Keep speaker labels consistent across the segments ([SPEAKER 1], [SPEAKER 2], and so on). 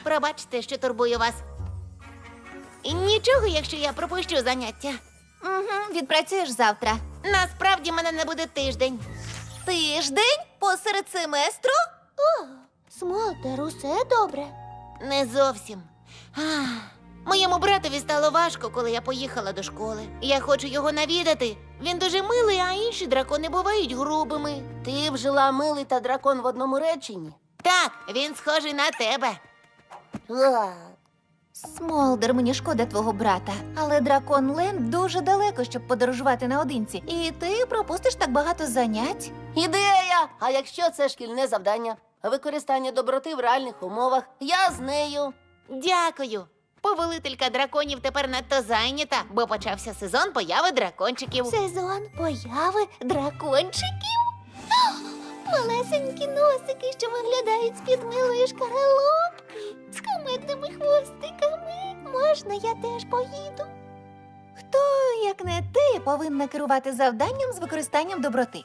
[SPEAKER 1] Пробачте, що турбую вас. І нічого, якщо я пропущу заняття.
[SPEAKER 2] Угу, відпрацюєш завтра.
[SPEAKER 1] Насправді мене не буде тиждень.
[SPEAKER 2] Тиждень? Посеред семестру?
[SPEAKER 3] О, Смолтер, усе добре?
[SPEAKER 1] Не зовсім. Ах, моєму братові стало важко, коли я поїхала до школи. Я хочу його навідати. Він дуже милий, а інші дракони бувають грубими.
[SPEAKER 3] Ти вжила милий та дракон в одному реченні?
[SPEAKER 1] Так, він схожий на тебе.
[SPEAKER 3] А,
[SPEAKER 2] Смолдер, мені шкода твого брата. Але Дракон Ленд дуже далеко, щоб подорожувати наодинці. І ти пропустиш так багато занять.
[SPEAKER 3] ідея! А якщо це шкільне завдання? Використання доброти в реальних умовах. Я з нею.
[SPEAKER 1] Дякую. Повелителька драконів тепер надто зайнята, бо почався сезон появи дракончиків.
[SPEAKER 3] Сезон появи дракончиків? Малесенькі носики, що виглядають з-під милої шкаралупки, з кумедними хвостиками. Можна, я теж поїду?
[SPEAKER 2] Хто, як не ти, повинна керувати завданням з використанням доброти?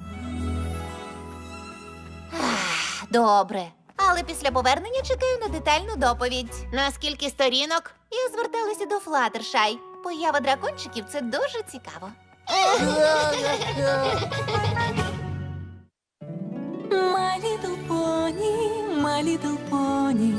[SPEAKER 2] Добре. Але після повернення чекаю на детальну доповідь.
[SPEAKER 1] На скільки сторінок?
[SPEAKER 2] Я зверталася до Флаттершай. Поява дракончиків – це дуже цікаво.
[SPEAKER 4] My little pony, my little pony.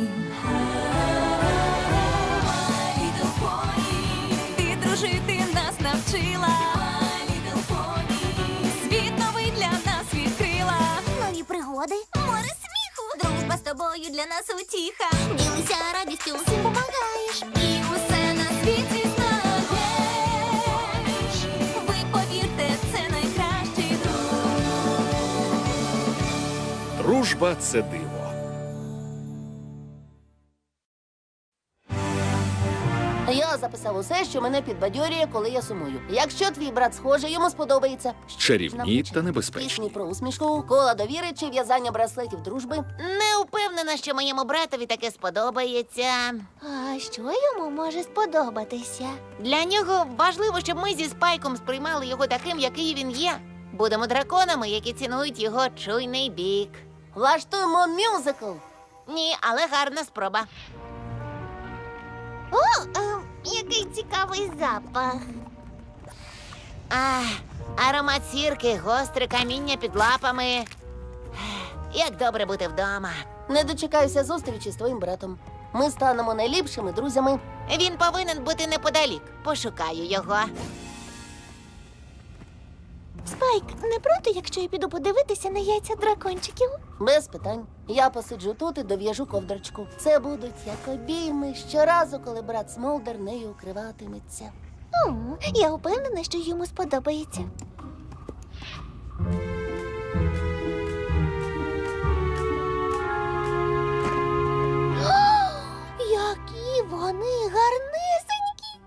[SPEAKER 4] My little pony. Ти дружити нас навчила. My little pony. Світ новий для нас відкрила.
[SPEAKER 3] Нові пригоди,
[SPEAKER 4] Море сміху. Дружба з тобою для нас утіха.
[SPEAKER 3] ділися радістю, всім помагаєш.
[SPEAKER 4] І усе на світі знаєш. Ви повірте, це найкращий друг.
[SPEAKER 5] Дружба – це диво.
[SPEAKER 3] Я записав усе, що мене підбадьорює, коли я сумую. Якщо твій брат схожий, йому сподобається.
[SPEAKER 5] Чарівні та небезпечні.
[SPEAKER 3] Пісні про усмішку, кола довіри чи в'язання браслетів дружби.
[SPEAKER 1] Не впевнена, що моєму братові таке сподобається.
[SPEAKER 3] А що йому може сподобатися?
[SPEAKER 1] Для нього важливо, щоб ми зі Спайком сприймали його таким, який він є. Будемо драконами, які цінують його чуйний бік.
[SPEAKER 3] Влаштуємо мюзикл.
[SPEAKER 1] Ні, але гарна спроба.
[SPEAKER 3] Який цікавий запах.
[SPEAKER 1] Аромат сірки, гостре каміння під лапами. Як добре бути вдома.
[SPEAKER 3] Не дочекаюся зустрічі з твоїм братом. Ми станемо найліпшими друзями.
[SPEAKER 1] Він повинен бути неподалік. Пошукаю його.
[SPEAKER 3] Спайк, не проти, якщо я піду подивитися на яйця дракончиків? Без питань. Я посиджу тут і дов'яжу ковдрочку. Це будуть як обійми щоразу, коли брат Смолдер нею укриватиметься. Я впевнена, що йому сподобається. Які вони гарнесенькі!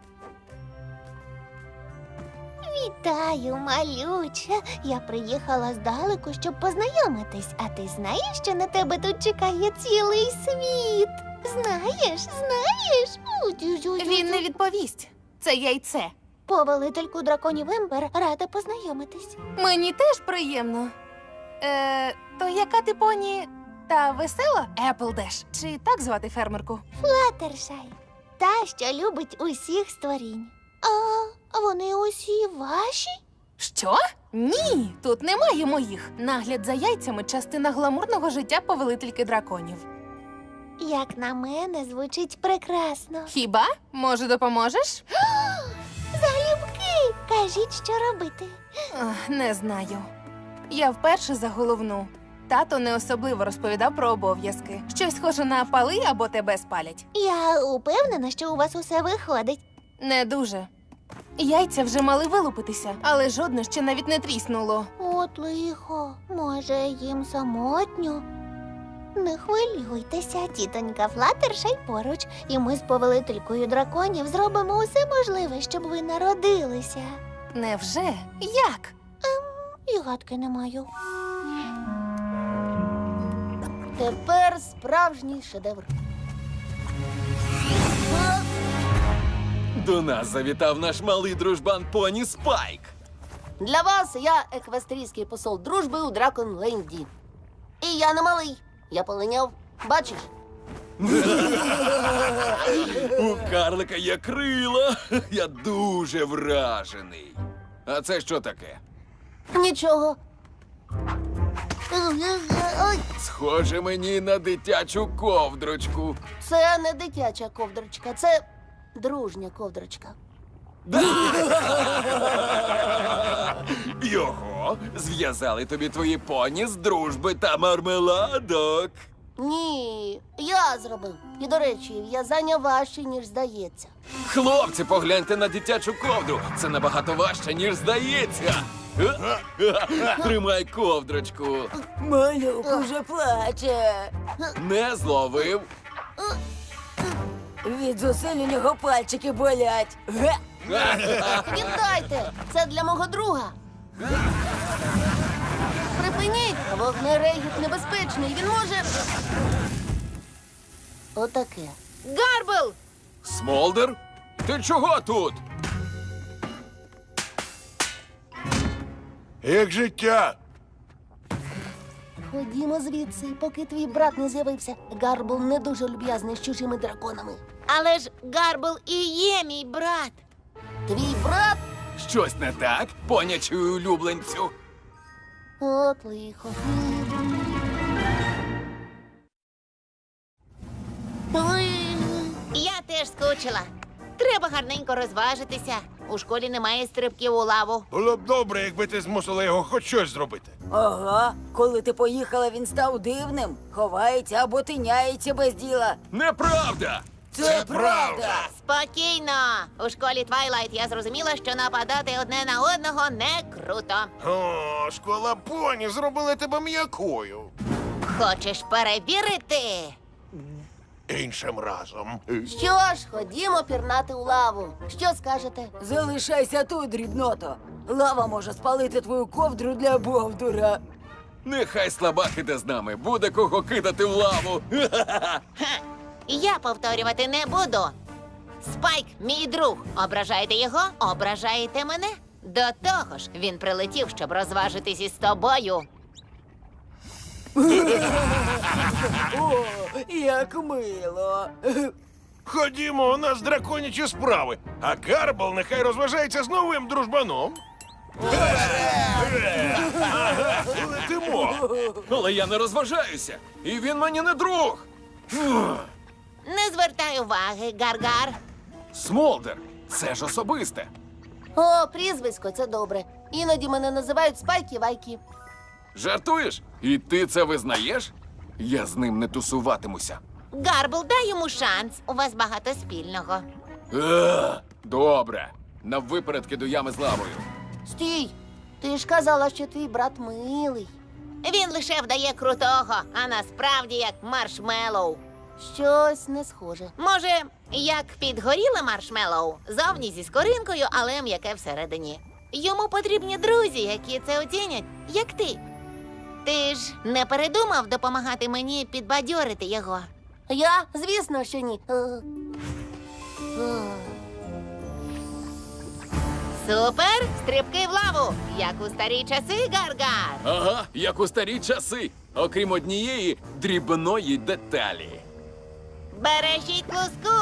[SPEAKER 3] Вітаю, малюча. Я приїхала здалеку, щоб познайомитись. А ти знаєш, що на тебе тут чекає цілий світ? Знаєш?
[SPEAKER 2] Він не відповість. Це яйце.
[SPEAKER 3] Повелительку драконів Ембер рада познайомитись.
[SPEAKER 2] Мені теж приємно. То яка ти поні? Та весела? Еплдеш. Чи так звати фермерку?
[SPEAKER 3] Флаттершай. Та, що любить усіх створінь. А вони усі ваші?
[SPEAKER 2] Що? Ні, тут немає моїх. Нагляд за яйцями – частина гламурного життя повелительки драконів.
[SPEAKER 3] Як на мене, звучить прекрасно.
[SPEAKER 2] Хіба? Може, допоможеш?
[SPEAKER 3] Залюбки! Кажіть, що робити.
[SPEAKER 2] Не знаю. Я вперше за головну. Тато не особливо розповідав про обов'язки. Щось схоже на пали або тебе спалять.
[SPEAKER 3] Я упевнена, що у вас усе виходить.
[SPEAKER 2] Не дуже. Яйця вже мали вилупитися, але жодне ще навіть не тріснуло.
[SPEAKER 3] От лихо, може, їм самотньо? Не хвилюйтеся, тітонька Флаттершай поруч, і ми з повелителькою драконів зробимо усе можливе, щоб ви народилися.
[SPEAKER 2] Невже? Як?
[SPEAKER 3] І гадки не маю. Тепер справжній шедевр.
[SPEAKER 6] До нас завітав наш малий дружбан поні Спайк.
[SPEAKER 3] Для вас я еквестрійський посол дружби у Драконленді. І я не малий. Я полиняв. Бачиш?
[SPEAKER 6] У карлика є крила. Я дуже вражений. А це що таке?
[SPEAKER 3] Нічого. Ой,
[SPEAKER 6] Схоже мені на дитячу ковдрочку.
[SPEAKER 3] це не дитяча ковдрочка, це дружня ковдрочка.
[SPEAKER 6] Його зв'язали тобі твої поні з дружби та мармеладок.
[SPEAKER 3] Ні, я зробив. І, до речі, в'язання важче, ніж здається.
[SPEAKER 6] Хлопці, погляньте на дитячу ковдру. Це набагато важче, ніж здається. Тримай ковдрочку.
[SPEAKER 7] Малюк уже плаче.
[SPEAKER 6] Не зловив.
[SPEAKER 7] Від зусиль у нього пальчики болять. Ге!
[SPEAKER 3] Віддайте! Це для мого друга. Припиніть! Вогнерегіт небезпечний. Він може. Отаке.
[SPEAKER 1] Гарбл!
[SPEAKER 6] Смолдер? Ти чого тут?
[SPEAKER 8] Як життя?
[SPEAKER 3] Ходімо звідси, поки твій брат не з'явився. Гарбл не дуже люб'язний з чужими драконами.
[SPEAKER 1] Але ж Гарбл і є мій брат.
[SPEAKER 3] Твій брат?
[SPEAKER 6] Щось не так, понячую улюбленцю.
[SPEAKER 3] От лихо. Ой.
[SPEAKER 1] Я теж скучила. Треба гарненько розважитися. У школі немає стрибків у лаву.
[SPEAKER 8] Було б добре, якби ти змусила його хоч щось зробити.
[SPEAKER 7] Ага, коли ти поїхала, він став дивним. Ховається або тиняється без діла.
[SPEAKER 6] Неправда!
[SPEAKER 7] Це правда.
[SPEAKER 1] Спокійно. У школі Твайлайт я зрозуміла, що нападати одне на одного не круто.
[SPEAKER 8] О, школа поні зробила тебе м'якою.
[SPEAKER 1] Хочеш перевірити?
[SPEAKER 8] Іншим разом.
[SPEAKER 3] Що ж, ходімо пірнати у лаву. Що скажете?
[SPEAKER 7] Залишайся тут, дрібното. Лава може спалити твою ковдру для бовдура.
[SPEAKER 6] Нехай слабак іде з нами, буде кого кидати в лаву.
[SPEAKER 1] Я повторювати не буду. Спайк, мій друг. Ображаєте його, ображаєте мене. До того ж, він прилетів, щоб розважитись із тобою.
[SPEAKER 7] О, як мило.
[SPEAKER 8] Ходімо, у нас драконячі справи. А Гарбл нехай розважається з новим дружбаном. Ага, летимо.
[SPEAKER 6] Але я не розважаюся, і він мені не друг.
[SPEAKER 1] Не звертай уваги, Гаргар.
[SPEAKER 6] Смолдер, це ж особисте.
[SPEAKER 3] О, прізвисько, це добре. Іноді мене називають Спайки-Вайки.
[SPEAKER 6] Жартуєш? І ти це визнаєш? Я з ним не тусуватимуся.
[SPEAKER 1] Гарбл, дай йому шанс. У вас багато спільного.
[SPEAKER 6] Добре. Наввипередки до ями з лавою.
[SPEAKER 3] Стій! Ти ж казала, що твій брат милий.
[SPEAKER 1] Він лише вдає крутого, а насправді як маршмеллоу.
[SPEAKER 3] Щось не схоже.
[SPEAKER 1] Може, як підгоріле маршмеллоу, зовні зі скоринкою, але м'яке всередині. Йому потрібні друзі, які це оцінять, як ти. Ти ж не передумав допомагати мені підбадьорити його?
[SPEAKER 3] Я? Звісно, що ні.
[SPEAKER 1] Супер! Стрибки в лаву, як у старі часи, Гаргар.
[SPEAKER 6] Ага, як у старі часи, окрім однієї дрібної деталі.
[SPEAKER 1] Бережіть луску!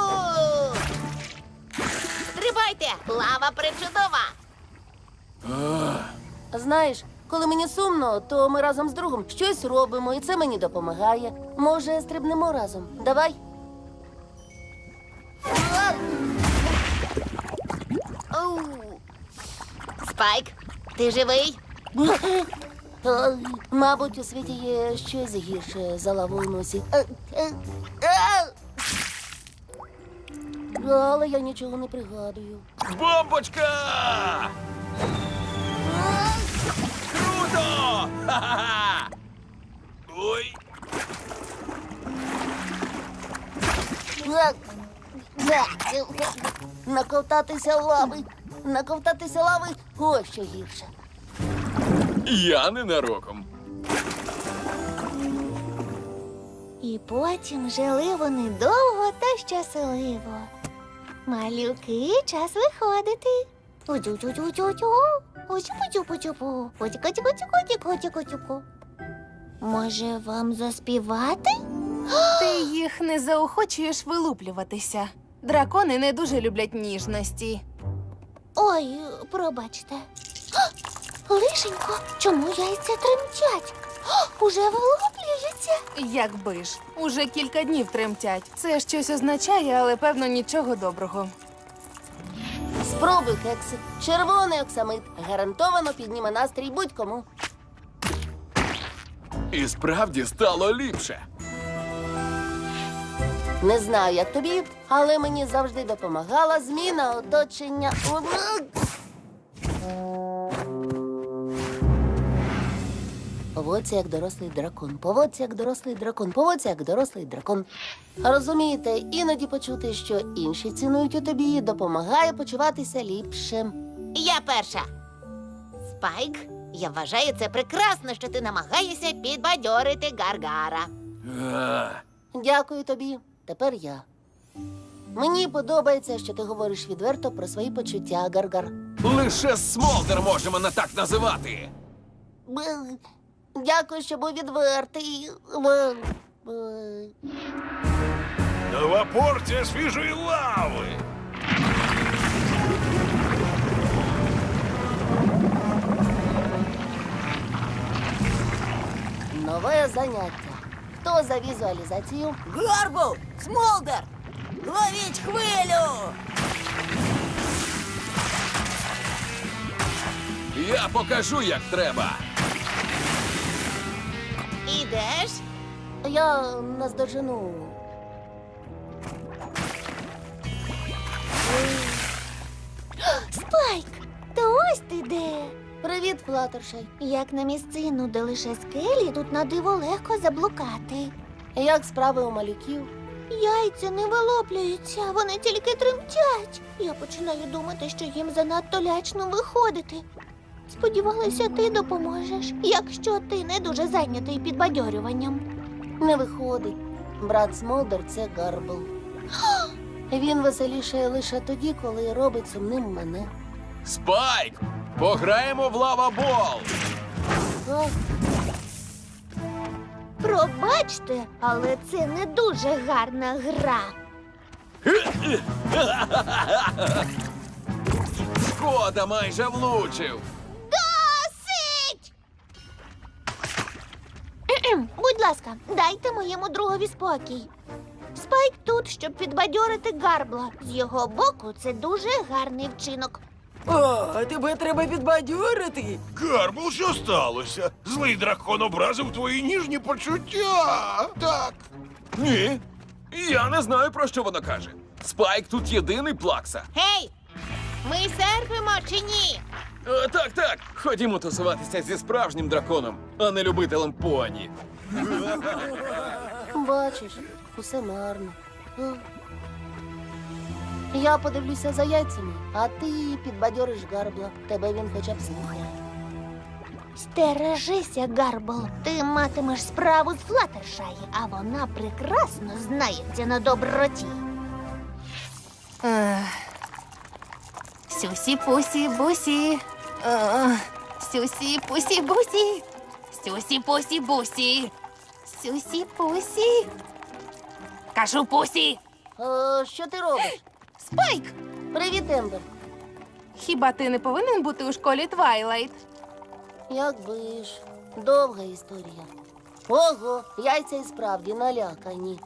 [SPEAKER 1] Стрибайте! Лава причудова!
[SPEAKER 3] Знаєш, коли мені сумно, то ми разом з другом щось робимо, і це мені допомагає. Може, стрибнемо разом? Давай.
[SPEAKER 1] Оу. Спайк, ти живий?
[SPEAKER 3] Мабуть, у світі є щось гірше за лаву в носі. Але я нічого не пригадую.
[SPEAKER 6] Бомбочка! Круто! Ха-ха-ха! Ой!
[SPEAKER 3] Наковтатися лави. Наковтатися лави – ось що гірше.
[SPEAKER 6] Я ненароком.
[SPEAKER 9] І потім жили вони довго та щасливо. Малюки, час виходити. Утю-тю-тю-тю-тю, утю-путю-путю-пу, утю-ку-тю-ку-тю-ку-тю-ку-тю-ку. Може, вам заспівати?
[SPEAKER 10] Ти їх не заохочуєш вилуплюватися. Дракони не дуже люблять ніжності.
[SPEAKER 9] Ой, пробачте. Лишенько, чому яйця тремтять? Уже вилуплюються.
[SPEAKER 10] Якби ж, уже кілька днів тремтять. Це щось означає, але певно нічого доброго.
[SPEAKER 3] Спробуй, кексик. Червоний оксамит гарантовано підніме настрій будь-кому.
[SPEAKER 6] І справді стало ліпше.
[SPEAKER 3] Не знаю, як тобі, але мені завжди допомагала зміна оточення. Поводься як дорослий дракон, поводься як дорослий дракон, поводься як дорослий дракон. Розумієте, іноді почути, що інші цінують у тобі, допомагає почуватися ліпше.
[SPEAKER 1] Я перша. Спайк, я вважаю це прекрасно, що ти намагаєшся підбадьорити Гаргара.
[SPEAKER 3] Дякую тобі. Тепер я. Мені подобається, що ти говориш відверто про свої почуття, Гаргар.
[SPEAKER 6] Лише Смолдер може мене так називати.
[SPEAKER 3] Дякую, що був відвертий.
[SPEAKER 8] Нова порція свіжої лави.
[SPEAKER 3] Нове заняття. Хто за візуалізацію?
[SPEAKER 7] Гарбл! Смолдер! Ловіть хвилю!
[SPEAKER 6] Я покажу, як треба.
[SPEAKER 1] Ідеш?
[SPEAKER 3] Я наздожену.
[SPEAKER 9] Спайк, то ось ти де.
[SPEAKER 3] Привіт, Флаттершай.
[SPEAKER 9] Як на місцину, де лише скелі, тут на диво легко заблукати.
[SPEAKER 3] Як справи у малюків?
[SPEAKER 9] Яйця не вилоплюються, вони тільки тремтять. Я починаю думати, що їм занадто лячно виходити. Сподівалася, ти допоможеш, якщо ти не дуже зайнятий підбадьорюванням.
[SPEAKER 3] Не виходить. Брат Смолдер – це Гарбл. Він веселішає лише тоді, коли робить сумним мене.
[SPEAKER 6] Спайк! Пограємо в лава-бол!
[SPEAKER 3] А,
[SPEAKER 9] Пробачте, але це не дуже гарна гра.
[SPEAKER 6] Шкода, майже влучив.
[SPEAKER 9] Досить! Будь ласка, дайте моєму другові спокій. Спайк тут, щоб підбадьорити Гарбла. З його боку це дуже гарний вчинок.
[SPEAKER 7] О, тебе треба підбадьорити.
[SPEAKER 8] Гарбл, що сталося? Злий дракон образив твої ніжні почуття. Так.
[SPEAKER 6] Ні. Я не знаю, про що вона каже. Спайк тут єдиний плакса.
[SPEAKER 1] Гей! Ми серфимо чи ні?
[SPEAKER 6] Так, так. Ходімо тусуватися зі справжнім драконом, а не любителем поні.
[SPEAKER 3] бачиш, усе марно. А. Я подивлюся за яйцями, а ти підбадьориш Гарбла. Тебе він хоча б слухає.
[SPEAKER 9] Стережися, Гарбл. Ти матимеш справу з Флаттершай, а вона прекрасно знається на доброті.
[SPEAKER 10] Сюсі-пусі-бусі. Сюсі-пусі-бусі. Сюсі-пусі-бусі. Сюсі-пусі. Кажу пусі.
[SPEAKER 3] Що ти робиш?
[SPEAKER 10] Спайк!
[SPEAKER 3] Привіт, Ембер.
[SPEAKER 10] Хіба ти не повинен бути у школі Твайлайт?
[SPEAKER 3] Якби ж. Довга історія. Ого, яйця і справді налякані.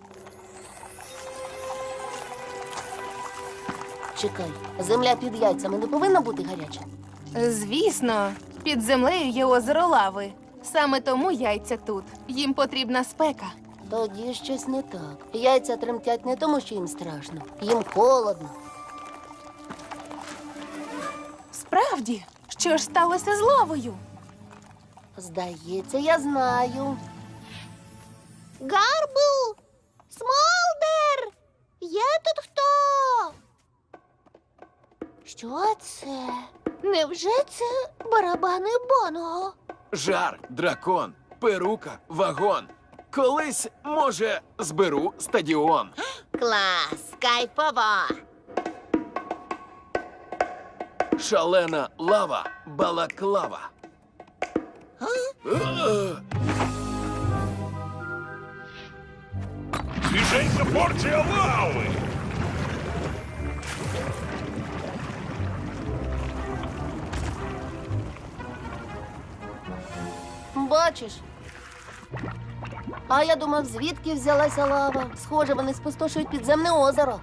[SPEAKER 3] Чекай, земля під яйцями не повинна бути гаряча?
[SPEAKER 10] Звісно, під землею є озеро лави. Саме тому яйця тут. Їм потрібна спека.
[SPEAKER 3] Тоді щось не так. Яйця тремтять не тому, що їм страшно. Їм холодно.
[SPEAKER 10] Справді, що ж сталося з лавою?
[SPEAKER 3] Здається, я знаю.
[SPEAKER 9] Гарбл! Смолдер! Є тут хто? Що це? Невже це барабани Боного?
[SPEAKER 6] Жар, дракон, перука, вагон. Колись, може, зберу стадіон.
[SPEAKER 1] Клас, кайфово!
[SPEAKER 6] Шалена лава, балаклава.
[SPEAKER 8] порція лави!
[SPEAKER 3] Бачиш? А я думав, звідки взялася лава. Схоже, вони спустошують підземне озеро.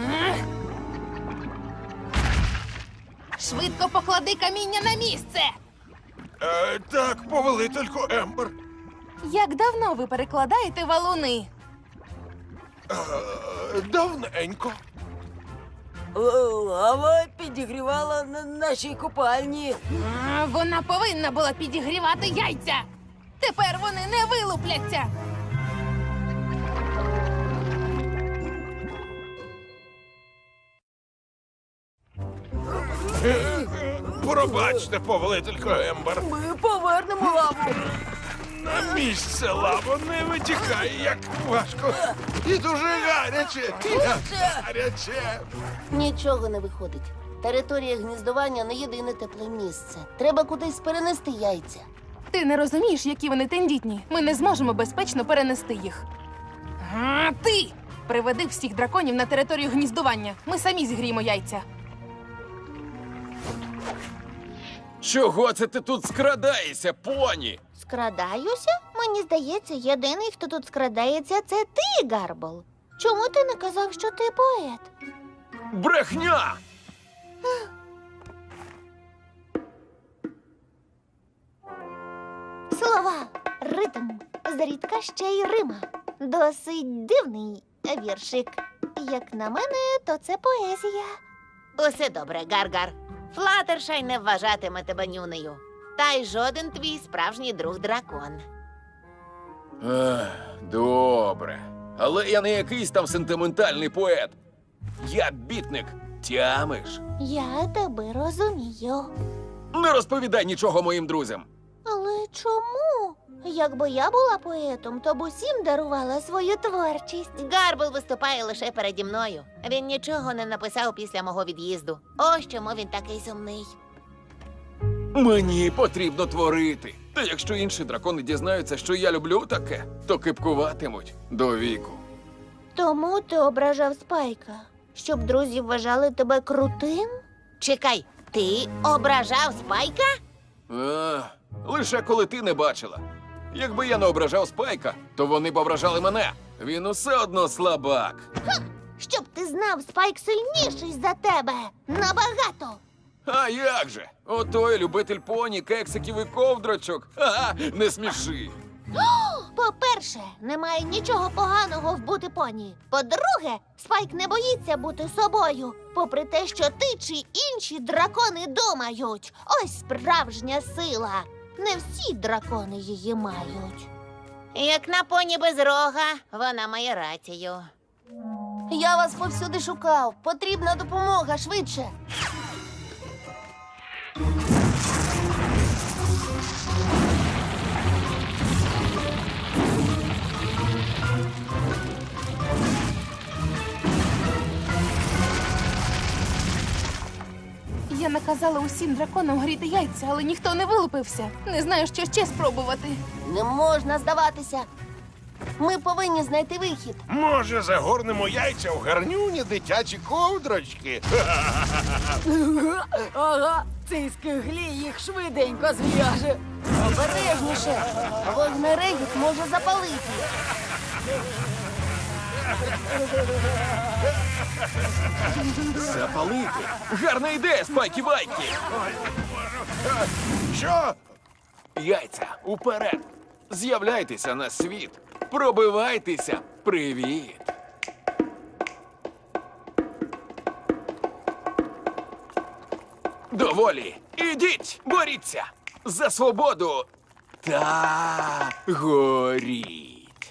[SPEAKER 10] Швидко поклади каміння на місце.
[SPEAKER 8] Так, повелителько Ембер.
[SPEAKER 10] Як давно ви перекладаєте валуни?
[SPEAKER 8] Давненько.
[SPEAKER 7] Лава підігрівала наші купальні.
[SPEAKER 10] Вона повинна була підігрівати яйця. Тепер вони не вилупляться.
[SPEAKER 8] Пробачте, повелителько Ембер.
[SPEAKER 7] Ми повернемо лаву.
[SPEAKER 8] На місце лава не витікає, як важко. І дуже гаряче. Гаряче.
[SPEAKER 3] Нічого не виходить. Територія гніздування не єдине тепле місце. Треба кудись перенести яйця.
[SPEAKER 10] Ти не розумієш, які вони тендітні. Ми не зможемо безпечно перенести їх. А ти! Приведи всіх драконів на територію гніздування. Ми самі зігріємо яйця.
[SPEAKER 6] Чого це ти тут скрадаєшся, поні?
[SPEAKER 9] Скрадаюся? Мені здається, єдиний, хто тут скрадається, це ти, Гарбл. Чому ти не казав, що ти поет?
[SPEAKER 6] Брехня!
[SPEAKER 9] Слова, ритм, зрідка ще й рима. Досить дивний віршик. Як на мене, то це поезія.
[SPEAKER 1] Усе добре, Гаргар. Флатершай не вважатиме тебе нюнею. Та й жоден твій справжній друг дракон.
[SPEAKER 6] Добре. Але я не якийсь там сентиментальний поет. Я бітник. Тямиш?
[SPEAKER 9] Я тебе розумію.
[SPEAKER 6] Не розповідай нічого моїм друзям.
[SPEAKER 9] Але чому? Якби я була поетом, то б усім дарувала свою творчість.
[SPEAKER 1] Гарбл виступає лише переді мною. Він нічого не написав після мого від'їзду. Ось чому він такий сумний.
[SPEAKER 6] Мені потрібно творити. Та якщо інші дракони дізнаються, що я люблю таке, то кипкуватимуть до віку.
[SPEAKER 9] Тому ти ображав Спайка, щоб друзі вважали тебе крутим?
[SPEAKER 1] Чекай, ти ображав Спайка?
[SPEAKER 6] Лише коли ти не бачила. Якби я не ображав Спайка, то вони б ображали мене. Він усе одно слабак.
[SPEAKER 9] Щоб ти знав, Спайк сильніший за тебе. Набагато.
[SPEAKER 6] А як же? Отой любитель поні, кексиків і ковдрочок. Ха-ха, не сміши.
[SPEAKER 9] По-перше, немає нічого поганого в бути поні. По-друге, Спайк не боїться бути собою, попри те, що ти чи інші дракони думають. Ось справжня сила. Не всі дракони її мають.
[SPEAKER 1] Як на поні без рога, вона має рацію.
[SPEAKER 3] Я вас повсюди шукав. Потрібна допомога швидше.
[SPEAKER 10] Я наказала усім драконам гріти яйця, але ніхто не вилупився. Не знаю, що ще спробувати.
[SPEAKER 3] Не можна здаватися. Ми повинні знайти вихід.
[SPEAKER 8] Може, загорнемо яйця в гарнюні дитячі ковдрочки?
[SPEAKER 7] Ага, цей скиглі їх швиденько зв'яже.
[SPEAKER 3] Обережніше. Вогнерегіт може запалити.
[SPEAKER 6] Запалити? Гарна ідея, Спайкі-Вайкі!
[SPEAKER 8] Що?
[SPEAKER 6] Яйця, уперед! З'являйтеся на світ! Пробивайтеся! Привіт! Доволі! Ідіть! Боріться! За свободу! Та горіть!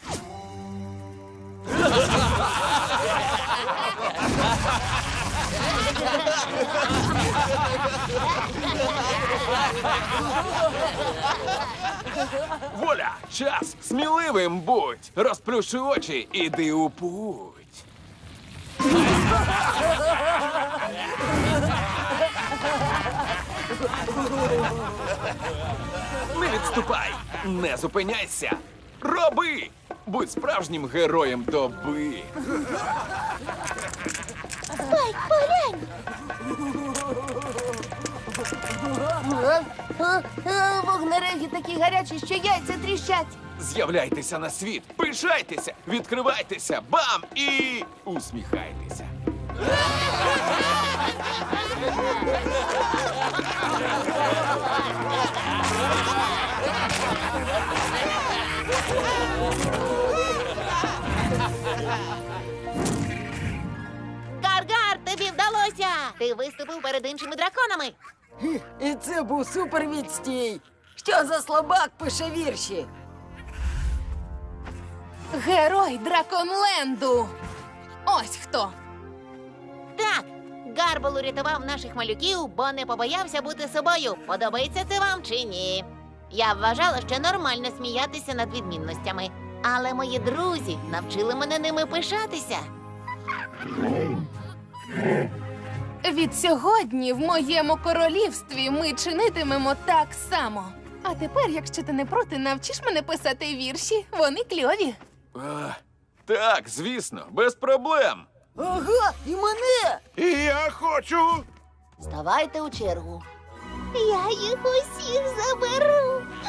[SPEAKER 6] Воля! Час! Сміливим будь! Розплющи очі, іди у путь! Не відступай! Не зупиняйся! Роби! Будь справжнім героєм доби.
[SPEAKER 9] Спайк, поглянь!
[SPEAKER 3] Вогнереги такі гарячі, що яйця тріщать.
[SPEAKER 6] З'являйтеся на світ, пишайтеся, відкривайтеся, бам! І усміхайтеся.
[SPEAKER 1] Гар-гар, тобі вдалося! Ти виступив перед іншими драконами.
[SPEAKER 7] І це був супервідстій. Що за слабак пише вірші?
[SPEAKER 10] Герой Драконленду! Ось хто!
[SPEAKER 1] Так, Гарбл урятував наших малюків, бо не побоявся бути собою. Подобається це вам чи ні? Я вважала, що нормально сміятися над відмінностями. Але мої друзі навчили мене ними пишатися.
[SPEAKER 10] Від сьогодні в моєму королівстві ми чинитимемо так само. А тепер, якщо ти не проти, навчиш мене писати вірші. Вони кльові.
[SPEAKER 6] Так, звісно, без проблем.
[SPEAKER 7] Ага, і мене!
[SPEAKER 8] І я хочу.
[SPEAKER 3] Ставайте у чергу.
[SPEAKER 9] Я їх усіх заберу.